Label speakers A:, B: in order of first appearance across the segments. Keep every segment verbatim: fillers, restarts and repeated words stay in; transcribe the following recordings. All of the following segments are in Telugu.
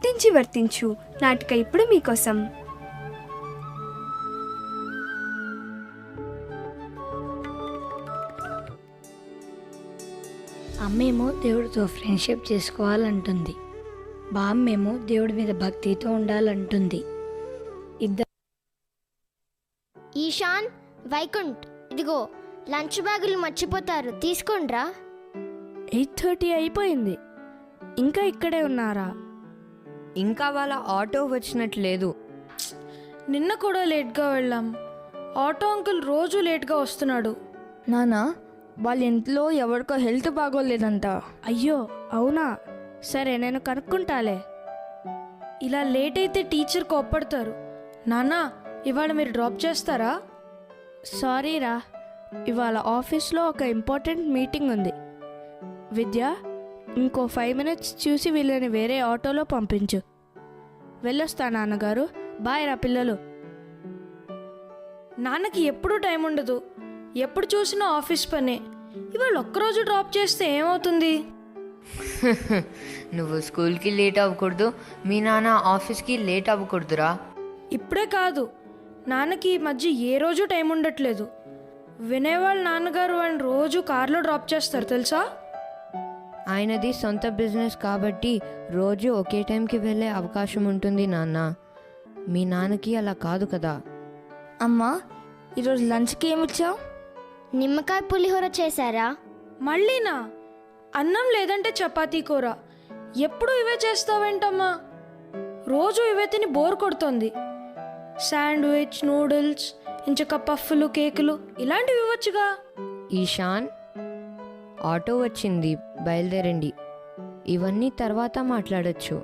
A: వర్తించి వర్తించు నాటిక ఇప్పుడు మీకోసం.
B: అమ్మేమో దేవుడితో ఫ్రెండ్షిప్ చేసుకోవాలంటుంది, బామ్మేమో దేవుడి మీద భక్తితో ఉండాలంటుంది. ఇద్దరు
C: ఈశాన్, వైకుంఠ్, ఇదిగో లంచ్ బ్యాగులు మర్చిపోతారు, తీసుకోండ్రా.
D: ఎయిట్ థర్టీ అయిపోయింది, ఇంకా ఇక్కడే ఉన్నారా?
E: ఇంకా వాళ్ళ ఆటో వచ్చినట్లేదు.
F: నిన్న కూడా లేట్గా వెళ్ళాం. ఆటో అంకుల్ రోజు లేట్గా వస్తున్నాడు.
G: నానా, వాళ్ళ ఇంట్లో ఎవరికో హెల్త్ బాగోలేదంట.
D: అయ్యో అవునా, సరే నేను కనుక్కుంటాలే.
F: ఇలా లేట్ అయితే టీచర్ కోప్పడతారు. నాన్న, ఇవాళ మీరు డ్రాప్ చేస్తారా?
D: సారీ రా, ఇవాళ ఆఫీస్లో ఒక ఇంపార్టెంట్ మీటింగ్ ఉంది. విద్య, ఇంకో ఫైవ్ మినిట్స్ చూసి వీళ్ళని వేరే ఆటోలో పంపించు. వెళ్ళొస్తా నాన్నగారు, బాయ్ రా పిల్లలు.
F: నాన్నకి ఎప్పుడూ టైం ఉండదు, ఎప్పుడు చూసినా ఆఫీస్ పనే. ఇవాళ ఒక్కరోజు డ్రాప్ చేస్తే ఏమవుతుంది?
E: నువ్వు స్కూల్కి లేట్ అవ్వకూడదు, మీ నాన్న ఆఫీస్కి లేట్ అవ్వకూడదురా.
F: ఇప్పుడే కాదు, నాన్నకి ఈ మధ్య ఏ రోజు టైం ఉండట్లేదు. వినేవాళ్ళ నాన్నగారు వాడిని రోజు కార్లో డ్రాప్ చేస్తారు తెలుసా.
E: ఆయనది సొంత బిజినెస్ కాబట్టి రోజు ఒకే టైంకి వెళ్ళే అవకాశం ఉంటుంది నాన్న. మీ నాన్నకి అలా కాదు కదా.
G: అమ్మా, ఈరోజు లంచ్కి ఏమిచ్చావు?
C: నిమ్మకాయ పులిహోర చేశారా?
F: మళ్ళీనా? అన్నం లేదంటే చపాతీ కూర. ఎప్పుడు ఇవే చేస్తావేంటమ్మా? రోజు ఇవే తిని బోర్ కొడుతుంది. శాండ్విచ్, నూడిల్స్, ఇంచక పఫ్ఫులు, కేకులు ఇలాంటివి ఇవ్వచ్చుగా.
E: ఈశాన్, ఆటో వచ్చింది, బయలుదేరండి. ఇవన్నీ తర్వాత మాట్లాడచ్చు.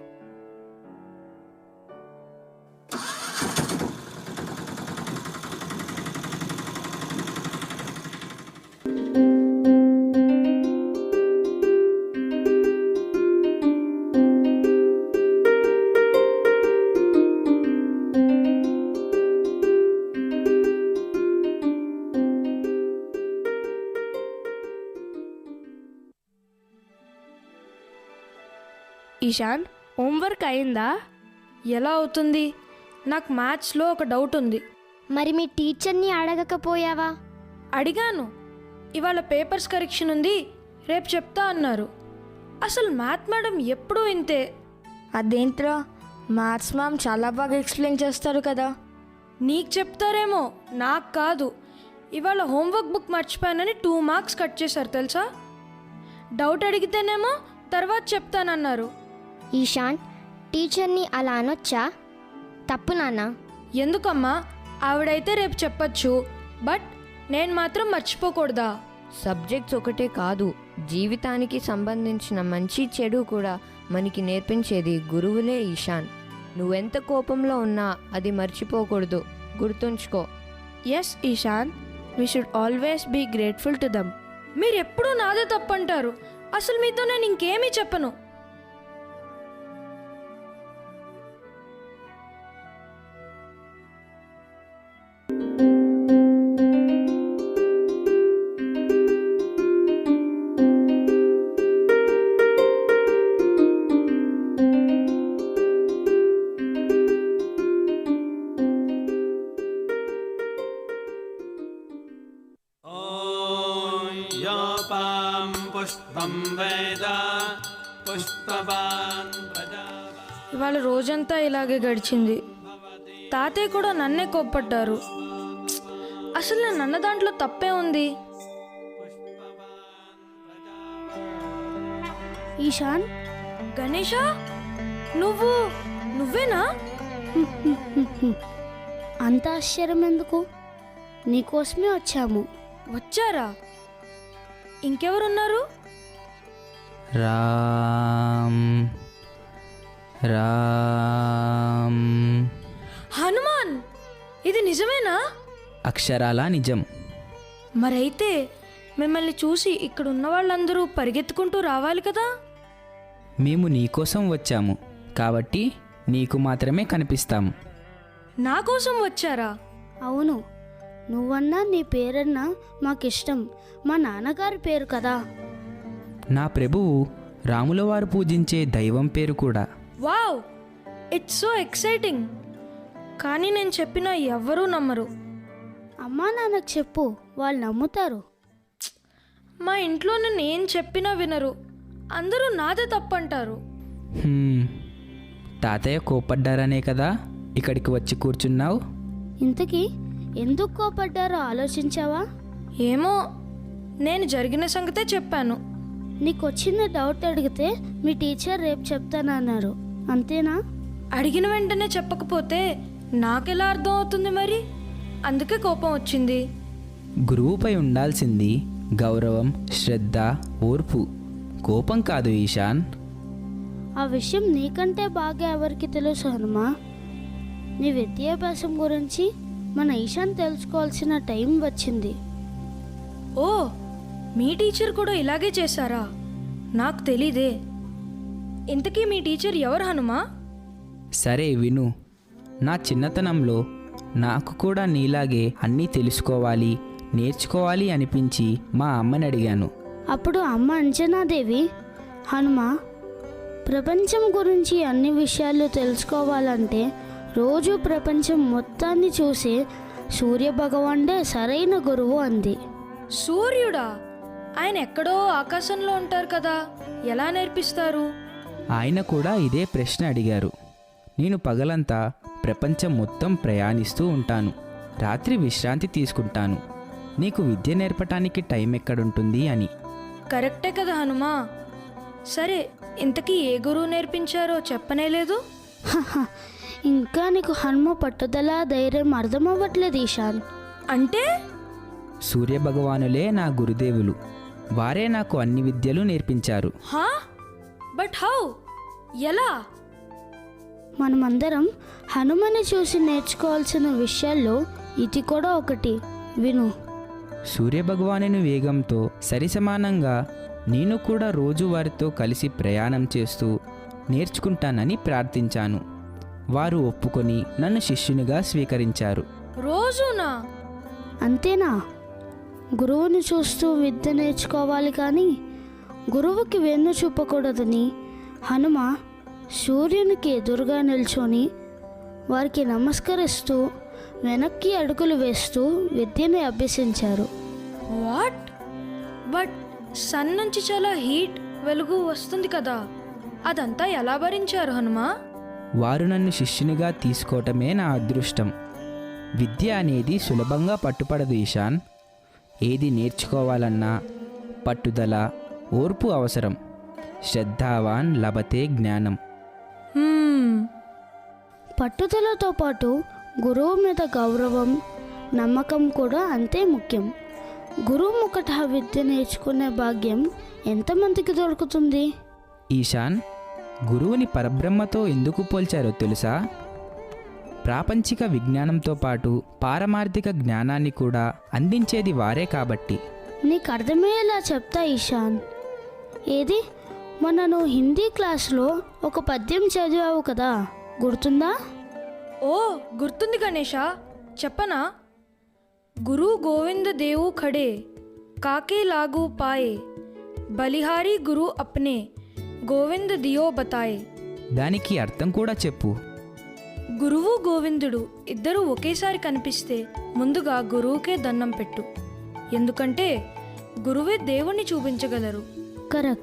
D: ఈశాన్, హోంవర్క్ అయిందా?
F: ఎలా అవుతుంది? నాకు మ్యాథ్స్లో ఒక డౌట్ ఉంది.
C: మరి మీ టీచర్ని అడగకపోయావా?
F: అడిగాను. ఇవాళ పేపర్స్ కరెక్షన్ ఉంది, రేపు చెప్తా అన్నారు. అసలు మ్యాథ్ మేడం ఎప్పుడూ ఇంతే.
G: అదేంట్రా, మ్యాథ్స్ మ్యామ్ చాలా బాగా ఎక్స్ప్లెయిన్ చేస్తారు కదా.
F: నీకు చెప్తారేమో, నాకు కాదు. ఇవాళ హోంవర్క్ బుక్ మర్చిపోయానని టూ మార్క్స్ కట్ చేశారు తెలుసా. డౌట్ అడిగితేనేమో తర్వాత చెప్తానన్నారు.
C: ఈశాన్, టీచర్ని అలా అనొచ్చా? తప్పు నాన్న.
F: ఎందుకమ్మా? ఆవిడైతే రేపు చెప్పచ్చు, బట్ నేను మాత్రం మర్చిపోకూడదా?
E: సబ్జెక్ట్స్ ఒకటే కాదు, జీవితానికి సంబంధించిన మంచి చెడు కూడా మనకి నేర్పించేది గురువులే ఈశాన్. నువ్వెంత కోపంలో ఉన్నా అది మర్చిపోకూడదు, గుర్తుంచుకో.
D: Yes Ishan, we should always be grateful to them.
F: మీరు ఎప్పుడూ నాదే తప్పంటారు. అసలు మీతో నేను ఇంకేమీ చెప్పను. ఇవాళ రోజంతా ఇలాగే గడిచింది. తాతయ్య కూడా నన్నే కోప్పట్టారు. అసలు నేను అన్న దాంట్లో తప్పే ఉంది.
A: ఈశాన్,
F: గణేషా, నువ్వు నువ్వేనా?
A: అంత ఆశ్చర్యం ఎందుకు? నీకోసమే వచ్చాము.
F: వచ్చారా? ఇంకెవరున్నారు?
H: రామ్ రామ్
F: హనుమాన్, ఇది నిజమేనా?
H: అక్షరాలా నిజం.
F: మరైతే మిమ్మల్ని చూసి ఇక్కడ ఉన్న వాళ్ళందరూ పరిగెత్తుకుంటూ రావాలి కదా.
H: మేము నీకోసం వచ్చాము కాబట్టి నీకు మాత్రమే కనిపిస్తాము.
F: నా కోసం వచ్చారా?
A: అవును, నువ్వన్నా నీ పేరన్నా మాకిష్టం. మా నాన్నగారి పేరు కదా.
H: నా ప్రభువు రాముల వారు పూజించే దైవం పేరు కూడా.
F: Wow, it's so exciting. కానీ నేను చెప్పినా ఎవ్వరూ నమ్మరు.
A: అమ్మా నాన్నకు చెప్పు, వాళ్ళు నమ్ముతారు.
F: మా ఇంట్లో నేను ఏం చెప్పినా వినరు. అందరూ నాదే తప్పంటారు.
H: హ్మ్, తాతయ్య కోపడ్డారనే కదా ఇక్కడికి వచ్చి కూర్చున్నావు?
A: ఇంతకీ ఎందుకు కోపడ్డారో ఆలోచించావా?
F: ఏమో, నేను జరిగిన సంగతే చెప్పాను.
A: నీకు వచ్చిన డౌట్ అడిగితే మీ టీచర్ రేపు చెప్తానన్నారు, అంతేనా?
F: అడిగిన వెంటనే చెప్పకపోతే నాకెలా అర్థం అవుతుంది మరి? అందుకే కోపం వచ్చింది.
H: గురువుపై ఉండాల్సింది గౌరవం, శ్రద్ధ, ఓర్పు, కోపం కాదు ఈశాన్.
A: ఆ విషయం నీకంటే బాగా ఎవరికి తెలుసు హనుమా? నీ విద్యాభ్యాసం గురించి మన ఈశాన్ తెలుసుకోవాల్సిన టైం వచ్చింది.
F: ఓ, మీ టీచర్ కూడా ఇలాగే చేశారా? నాకు తెలీదే. ఇంతకీ మీ టీచర్ ఎవరు హనుమా?
H: సరే విను, నా చిన్నతనంలో నాకు కూడా నీలాగే అన్నీ తెలుసుకోవాలి, నేర్చుకోవాలి అనిపించి మా అమ్మని అడిగాను.
A: అప్పుడు అమ్మ అంజనాదేవి, హనుమ, ప్రపంచం గురించి అన్ని విషయాలు తెలుసుకోవాలంటే రోజు ప్రపంచం మొత్తాన్ని చూసే సూర్యభగవానుడే సరైన గురువు అంది.
F: సూర్యుడా? ఆయన ఎక్కడో ఆకాశంలో ఉంటారు కదా, ఎలా నేర్పిస్తారు?
H: ఆయన కూడా ఇదే ప్రశ్న అడిగారు. నేను పగలంతా ప్రపంచం మొత్తం ప్రయాణిస్తూ ఉంటాను, రాత్రి విశ్రాంతి తీసుకుంటాను, నీకు విద్య నేర్పటానికి టైం ఎక్కడుంటుంది అని.
F: కరెక్టే కదా హనుమా. సరే, ఇంతకీ ఏ గురువు నేర్పించారో చెప్పనే లేదు.
A: హహ, ఇంకా నీకు హనుమ పట్టుదల ధైర్యం అర్థమవ్వట్లేదు ఈశాన్.
F: అంటే
H: సూర్యభగవానులే నా గురుదేవులు, వారే నాకు అన్ని విద్యలు నేర్పించారు.
F: హా? But how? ఎలా?
A: మనమందరం హనుమని చూసి నేర్చుకోవాల్సిన విషయాల్లో ఇది కూడా ఒకటి, విను.
H: సూర్యభగవానుని వేగంతో సరిసమానంగా నేను కూడా రోజు వారితో కలిసి ప్రయాణం చేస్తూ నేర్చుకుంటానని ప్రార్థించాను. వారు ఒప్పుకొని నన్ను శిష్యునిగా స్వీకరించారు.
F: రోజునా?
A: అంతేనా? గురువుని చూస్తూ విద్య నేర్చుకోవాలి కానీ గురువుకి వెన్ను చూపకూడదని హనుమ సూర్యునికి ఎదురుగా నిల్చొని వారికి నమస్కరిస్తూ వెనక్కి అడుగులు వేస్తూ విద్యని అభ్యసించారు.
F: వాట్? బట్ సన్ నుంచి చాలా హీట్ వెలుగు వస్తుంది కదా, అదంతా ఎలా భరించారు హనుమా?
H: వారు నన్ను శిష్యునిగా తీసుకోవటమే నా అదృష్టం. విద్య అనేది సులభంగా పట్టుపడదు ఈశాన్. ఏది నేర్చుకోవాలన్నా పట్టుదల, ఓర్పు అవసరం. శ్రద్ధావాన్ లభతే జ్ఞానం.
F: హ్మ్,
A: పట్టుదలతో పాటు గురువు మీద గౌరవం, నమ్మకం కూడా అంతే ముఖ్యం. గురువు ముఖట విద్య నేర్చుకునే భాగ్యం ఎంతమందికి దొరుకుతుంది?
H: ఈశాన్, గురువుని పరబ్రహ్మతో ఎందుకు పోల్చారో తెలుసా? ప్రాపంచిక విజ్ఞానంతో పాటు పారమార్థిక జ్ఞానాన్ని కూడా అందించేది వారే కాబట్టి.
A: నీకు అర్థమయ్యేలా చెప్తా ఈశాన్. ఏది, మొన్న నువ్వు హిందీ క్లాస్లో ఒక పద్యం చదివావు కదా, గుర్తుందా?
F: ఓ గుర్తుంది గణేష, చెప్పనా? గురు గోవింద దేవు ఖడే కాకే లాగు పాయే, బలిహారీ గురు అప్నే గోవింద దియో బతాయే.
H: దానికి అర్థం కూడా చెప్పు.
F: గురువు గోవిందుడు ఇద్దరూ ఒకేసారి కనిపిస్తే ముందుగా గురువుకే దండం పెట్టు, ఎందుకంటే గురువే దేవుణ్ణి చూపించగలరు.
A: కరెక్ట్.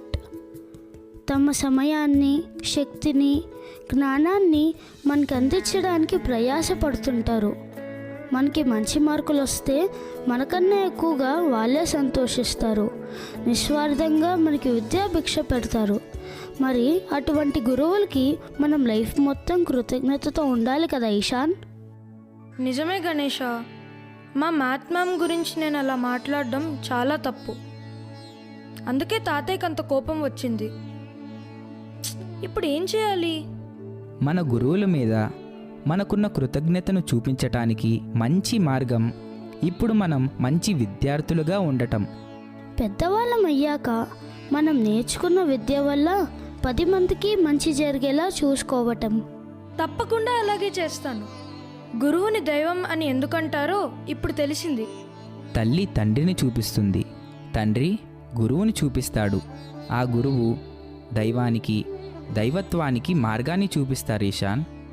A: తమ సమయాన్ని, శక్తిని, జ్ఞానాన్ని మనకు అందించడానికి ప్రయాసపడుతుంటారు. మనకి మంచి మార్కులు వస్తే మనకన్నా ఎక్కువగా వాళ్ళే సంతోషిస్తారు. నిస్వార్థంగా మనకి విద్యాభిక్ష పెడతారు. మరి అటువంటి గురువులకి మనం లైఫ్ మొత్తం కృతజ్ఞతతో ఉండాలి కదా ఈశాన్?
F: నిజమే గణేష, మా మ్యాథ్ మ్యామ్ గురించి నేను అలా మాట్లాడడం చాలా తప్పు. అందుకే తాతయ్యకి అంత కోపం వచ్చింది. ఇప్పుడు ఏం చేయాలి?
H: మన గురువుల మీద మనకున్న కృతజ్ఞతను చూపించటానికి మంచి మార్గం ఇప్పుడు మనం మంచి విద్యార్థులుగా ఉండటం.
A: పెద్దవాళ్ళం అయ్యాక మనం నేర్చుకున్న విద్య వల్ల పది మందికి మంచి జరిగేలా చూసుకోవటం.
F: తప్పకుండా అలాగే చేస్తాను. గురువుని దైవం అని ఎందుకంటారో ఇప్పుడు తెలిసింది.
H: తల్లి తండ్రిని చూపిస్తుంది, తండ్రి గురువుని చూపిస్తాడు. ఆ గురువు దైవానికి, దైవత్వానికి మార్గాన్ని చూపిస్తారు ఈశాన్.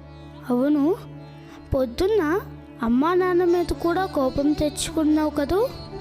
A: అవును, పొద్దున్న అమ్మా నాన్న మీద కూడా కోపం తెచ్చుకున్నావు కదూ.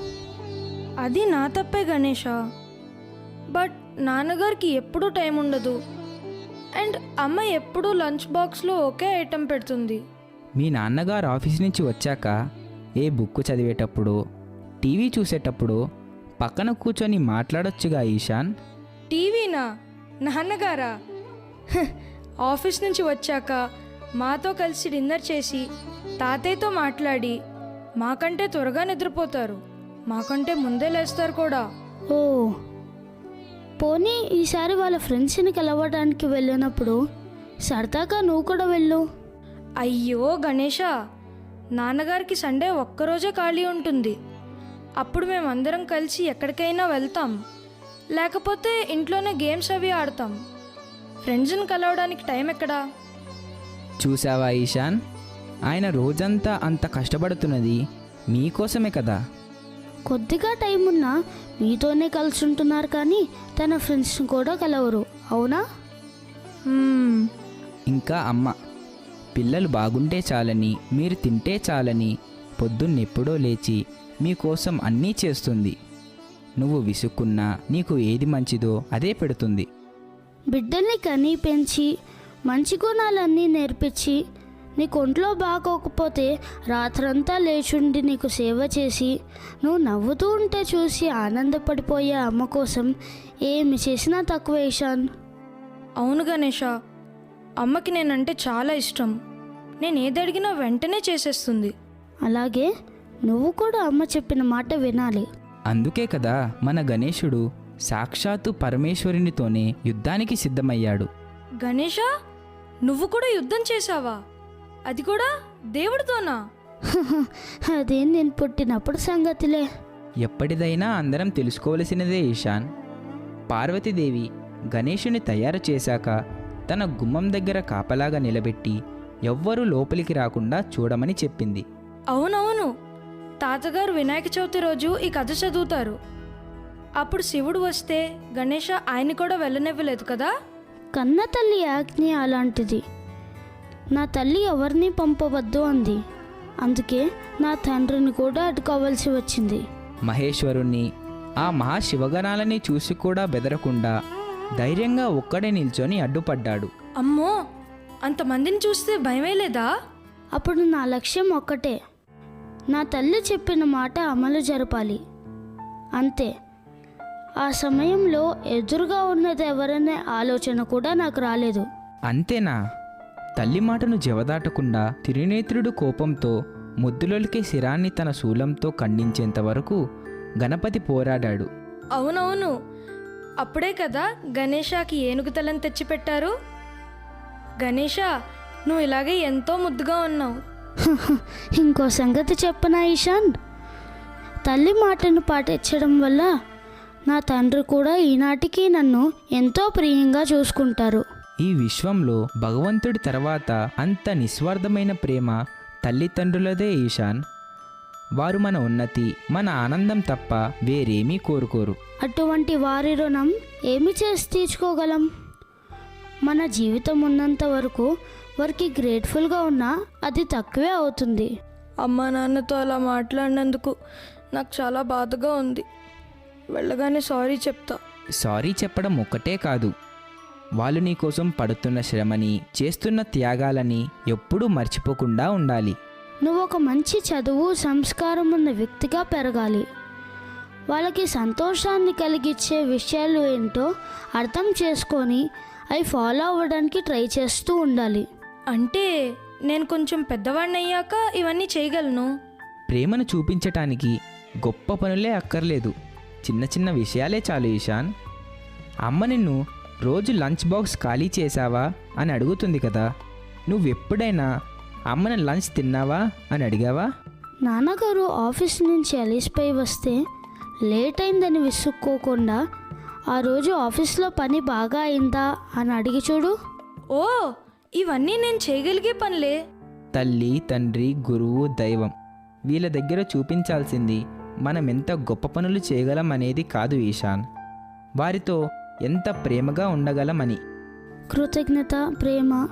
F: అది నా తప్పే గణేష. బట్ నాన్నగారికి ఎప్పుడూ టైం ఉండదు. అండ్ అమ్మ ఎప్పుడూ లంచ్ బాక్స్లో ఒకే ఐటెం పెడుతుంది.
H: మీ నాన్నగారు ఆఫీస్ నుంచి వచ్చాక ఏ బుక్ చదివేటప్పుడు, టీవీ చూసేటప్పుడు పక్కన కూర్చొని మాట్లాడొచ్చుగా ఈశాన్.
F: టీవీనా? నాన్నగారా? హ్, ఆఫీస్ నుంచి వచ్చాక మాతో కలిసి డిన్నర్ చేసి తాతయ్యతో మాట్లాడి మాకంటే త్వరగా నిద్రపోతారు, మాకంటే ముందే లేస్తారు కూడా.
A: ఓ, పోనీ ఈసారి వాళ్ళ ఫ్రెండ్స్ని కలవడానికి వెళ్ళినప్పుడు సరదాగా నువ్వు కూడా వెళ్ళు.
F: అయ్యో గణేష, నాన్నగారికి సండే ఒక్కరోజే ఖాళీ ఉంటుంది. అప్పుడు మేమందరం కలిసి ఎక్కడికైనా వెళ్తాం, లేకపోతే ఇంట్లోనే గేమ్స్ అవి ఆడతాం. ఫ్రెండ్స్ని కలవడానికి టైం ఎక్కడా?
H: చూసావా ఈశాన్, ఆయన రోజంతా అంత కష్టపడుతున్నది మీకోసమే కదా.
A: కొద్దిగా టైం ఉన్నా మీతోనే కలిసి ఉంటున్నారు, కానీ తన ఫ్రెండ్స్ని కూడా కలవరు, అవునా?
F: హ్మ్,
H: ఇంకా అమ్మ, పిల్లలు బాగుంటే చాలని, మీరు తింటే చాలని పొద్దున్నెప్పుడో లేచి మీకోసం అన్నీ చేస్తుంది. నువ్వు విసుక్కున్నా నీకు ఏది మంచిదో అదే పెడుతుంది.
A: బిడ్డల్ని కని పెంచి మంచి గుణాలన్నీ నేర్పించి నీకు ఒంట్లో బాగోకపోతే రాత్రంతా లేచుండి నీకు సేవ చేసి నువ్వు నవ్వుతూ ఉంటే చూసి ఆనందపడిపోయే అమ్మ కోసం ఏమి చేసినా తక్కువ ఈశాన్.
F: అవును గణేష, అమ్మకి నేనంటే చాలా ఇష్టం. నేను ఏది అడిగినా వెంటనే చేసేస్తుంది.
A: అలాగే నువ్వు కూడా అమ్మ చెప్పిన మాట వినాలి.
H: అందుకే కదా మన గణేశుడు సాక్షాత్తు పరమేశ్వరునితోనే యుద్ధానికి సిద్ధమయ్యాడు.
F: గణేష, నువ్వు కూడా యుద్ధం చేశావా? అది కూడా దేవుడితోనా?
A: అదే నేను పుట్టినప్పుడు సంగతిలే.
H: ఎప్పటిదైనా అందరం తెలుసుకోవలసినదే ఈశాన్. పార్వతీదేవి గణేశుని తయారు చేశాక తన గుమ్మం దగ్గర కాపలాగా నిలబెట్టి ఎవ్వరూ లోపలికి రాకుండా చూడమని చెప్పింది.
F: అవునవును, తాతగారు వినాయక చవితి రోజు ఈ కథ చదువుతారు. అప్పుడు శివుడు వస్తే గణేష ఆయన కూడా వెళ్ళనివ్వలేదు కదా.
A: కన్న తల్లి ఆజ్ఞ అలాంటిది. నా తల్లి ఎవరిని పంపవద్దు అంది, అందుకే నా తండ్రిని కూడా అడ్డుకోవాల్సి వచ్చింది.
H: మహేశ్వరుణ్ణి, ఆ మహాశివగణాలని చూసి కూడా బెదరకుండా ధైర్యంగా ఒక్కడే నిల్చొని అడ్డుపడ్డాడు.
F: అమ్మో, అంతమందిని చూస్తే భయమే లేదా?
A: అప్పుడు నా లక్ష్యం ఒక్కటే, నా తల్లి చెప్పిన మాట అమలు జరపాలి, అంతే. ఆ సమయంలో ఎదురుగా ఉన్నది ఎవరనే ఆలోచన కూడా నాకు రాలేదు.
H: అంతేనా? తల్లి మాటను జవదాటకుండా తిరునేత్రుడు కోపంతో ముద్దులొలికే శిరాన్ని తన శూలంతో ఖండించేంత వరకు గణపతి పోరాడాడు.
F: అవునవును, అప్పుడే కదా గణేషకి ఏనుగు తలని తెచ్చిపెట్టారు. గణేష, నువ్వు ఇలాగే ఎంతో ముద్దుగా ఉన్నావు.
A: ఇంకో సంగతి చెప్పనా ఈశాన్? తల్లి మాటను పాటించడం వల్ల నా తండ్రి కూడా ఈనాటికి నన్ను ఎంతో ప్రియంగా చూసుకుంటారు.
H: ఈ విశ్వంలో భగవంతుడి తర్వాత అంత నిస్వార్థమైన ప్రేమ తల్లిదండ్రులదే ఈశాన్. వారు మన ఉన్నతి, మన ఆనందం తప్ప వేరేమీ కోరుకోరు.
A: అటువంటి వారి రుణం ఏమి చేసి తీర్చుకోగలం? మన జీవితం ఉన్నంత వరకు వారికి గ్రేట్ఫుల్గా ఉన్నా అది తక్కువే అవుతుంది.
F: అమ్మా నాన్నతో అలా మాట్లాడినందుకు నాకు చాలా బాధగా ఉంది. వెళ్ళగానే సారీ చెప్తా.
H: సారీ చెప్పడం ఒక్కటే కాదు, వాళ్ళు నీకోసం పడుతున్న శ్రమని, చేస్తున్న త్యాగాలని ఎప్పుడూ మర్చిపోకుండా ఉండాలి.
A: నువ్వు ఒక మంచి చదువు, సంస్కారం ఉన్న వ్యక్తిగా పెరగాలి. వాళ్ళకి సంతోషాన్ని కలిగించే విషయాలు ఏంటో అర్థం చేసుకొని అవి ఫాలో అవ్వడానికి ట్రై చేస్తూ ఉండాలి.
F: అంటే నేను కొంచెం పెద్దవాడిని అయ్యాక ఇవన్నీ చేయగలను.
H: ప్రేమను చూపించటానికి గొప్ప పనులే అక్కర్లేదు, చిన్న చిన్న విషయాలే చాలు ఈశాన్. అమ్మ నిన్ను రోజు లంచ్ బాక్స్ ఖాళీ చేశావా అని అడుగుతుంది కదా, నువ్వెప్పుడైనా అమ్మని లంచ్ తిన్నావా అని అడిగావా?
A: నాన్నగారు ఆఫీస్ నుంచి అలిసిపోయి వస్తే లేట్ అయిందని విసుక్కోకుండా ఆ రోజు ఆఫీస్లో పని బాగా అయిందా అని అడిగి చూడు.
F: ఓ, ఇవన్నీ నేను చేయగలిగే పనులే.
H: తల్లి, తండ్రి, గురువు, దైవం వీళ్ళ దగ్గర చూపించాల్సింది మనం ఎంత గొప్ప పనులు చేయగలం అనేది కాదు ఈశాన్, వారితో ఎంత ప్రేమగా ఉండగలమని.
A: కృతజ్ఞత, ప్రేమ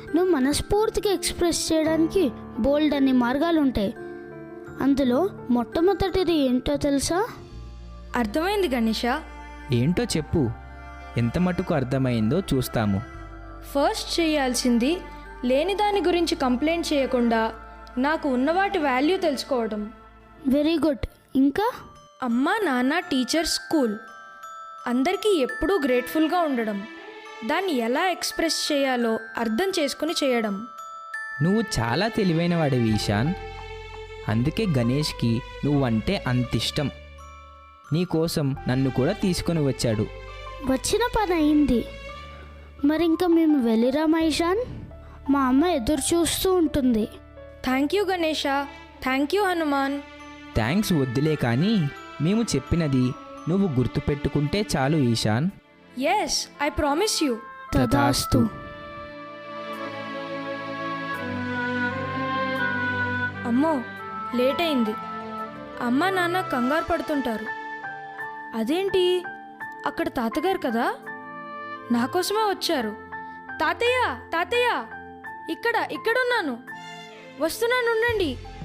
A: నువ్వు మనస్ఫూర్తిగా ఎక్స్ప్రెస్ చేయడానికి బోల్డ్ అన్ని మార్గాలు ఉంటాయి. అందులో మొట్టమొదటిది ఏంటో తెలుసా?
F: అర్థమైంది గణేష.
H: ఏంటో చెప్పు, ఎంత మటుకు అర్థమైందో చూస్తాము.
F: ఫస్ట్ చేయాల్సింది లేని దాని గురించి కంప్లైంట్ చేయకుండా నాకు ఉన్నవాటి వాల్యూ తెలుసుకోవడం.
A: Very good. ఇంకా?
F: అమ్మ, నాన్న, టీచర్, స్కూల్ అందరికీ ఎప్పుడూ గ్రేట్ఫుల్గా ఉండడం. దాన్ని ఎలా ఎక్స్ప్రెస్ చేయాలో అర్థం చేసుకుని చేయడం.
H: నువ్వు చాలా తెలివైన వాడివి ఈశాన్. అందుకే గణేష్కి నువ్వంటే అంత ఇష్టం. నీకోసం నన్ను కూడా తీసుకొని వచ్చాడు.
A: వచ్చిన పని అయింది. మరి ఇంకా మేము వెళ్ళిరామా ఈశాన్? మా అమ్మ ఎదురు చూస్తూ ఉంటుంది.
F: Thank you Ganesha. Thank you Hanuman.
H: Thanks వద్దులే కానీ మేము చెప్పినది నువ్వు గుర్తుపెట్టుకుంటే చాలు Ishan.
F: Yes, I promise you.
A: తదాస్తు.
F: అమ్మో, లేట్ అయింది. అమ్మ నాన్న కంగారు పడుతుంటారు. అదేంటి, అక్కడ తాతగారు కదా, నా కోసమే వచ్చారు. తాతయ్య, తాతయ్య, ఇక్కడ ఇక్కడున్నాను, వస్తున్నాను, ఉండండి.